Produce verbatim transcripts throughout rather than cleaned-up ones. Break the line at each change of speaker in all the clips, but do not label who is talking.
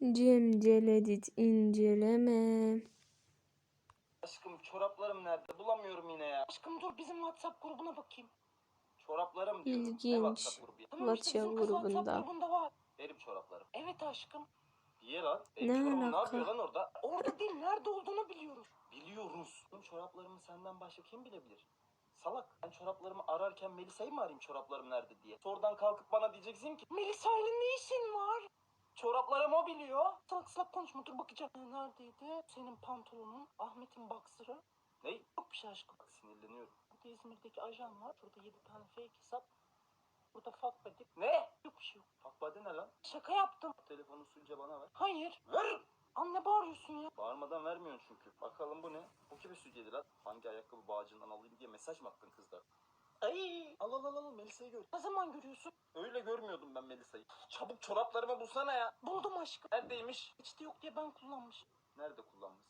Cemcel edit inceleme.
Aşkım çoraplarım nerede? Bulamıyorum yine ya. Aşkım dur bizim WhatsApp grubuna bakayım. Çoraplarım diyorum. Ne
İlginç.
WhatsApp grubu ya?
Tamam işte
WhatsApp
bizim kız
grubunda.
WhatsApp
grubunda var. Benim çoraplarım. Evet aşkım. Niye lan? Benim
Ne
çorabım
alaka?
ne yapıyor lan orada? Orada değil, nerede olduğunu biliyoruz. Biliyoruz. Benim çoraplarımı senden başka kim bilebilir? Salak. Ben çoraplarımı ararken Melisa'yı mı arayayım çoraplarım nerede diye? Sonradan kalkıp bana diyeceksin ki Melisa ile ne işin var? Çoraplarımı o biliyor. Salak salak konuşma, dur bakacağım. Neredeydi? Senin pantolonun, Ahmet'in boxer'ı. Ne? Yok bir şey aşkım. Bak sinirleniyorum. Burada İzmir'deki ajan var. Şurada yedi tane fake hesap. Burada fuck buddy. Ne? Yok bir şey yok. Fuck buddy ne lan? Şaka yaptım. Telefonu suyunca bana ver. Hayır. Ver. Anne bağırıyorsun ya. Bağırmadan vermiyorsun çünkü. Bakalım bu ne? Bu kimi sütyedi lan? Hangi ayakkabı bağcığından alayım diye mesaj mı attın kızlar? Ay, al al al al Melisa'yı gör. Ne zaman görüyorsun? Öyle görmüyordum ben Melisa'yı. Çabuk çoraplarımı bulsana ya. Buldum aşkım. Neredeymiş? İçte yok diye ben kullanmışım. Nerede kullanmış?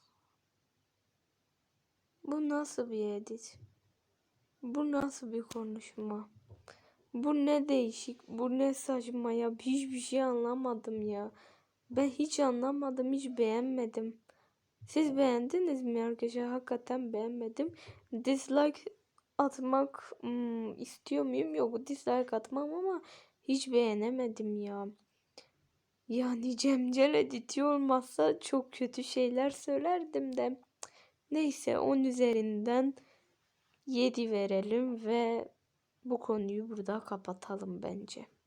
Bu nasıl bir edit? Bu nasıl bir konuşma? Bu ne değişik, bu ne saçma ya. Hiçbir şey anlamadım ya. Ben hiç anlamadım, hiç beğenmedim. Siz beğendiniz mi arkadaşlar? Hakikaten beğenmedim. Dislike atmak hmm, istiyor muyum? Yok, dislike atmam ama hiç beğenemedim ya. Yani Cemcel editi olmazsa çok kötü şeyler söylerdim de. Neyse, on üzerinden yedi verelim ve bu konuyu burada kapatalım bence.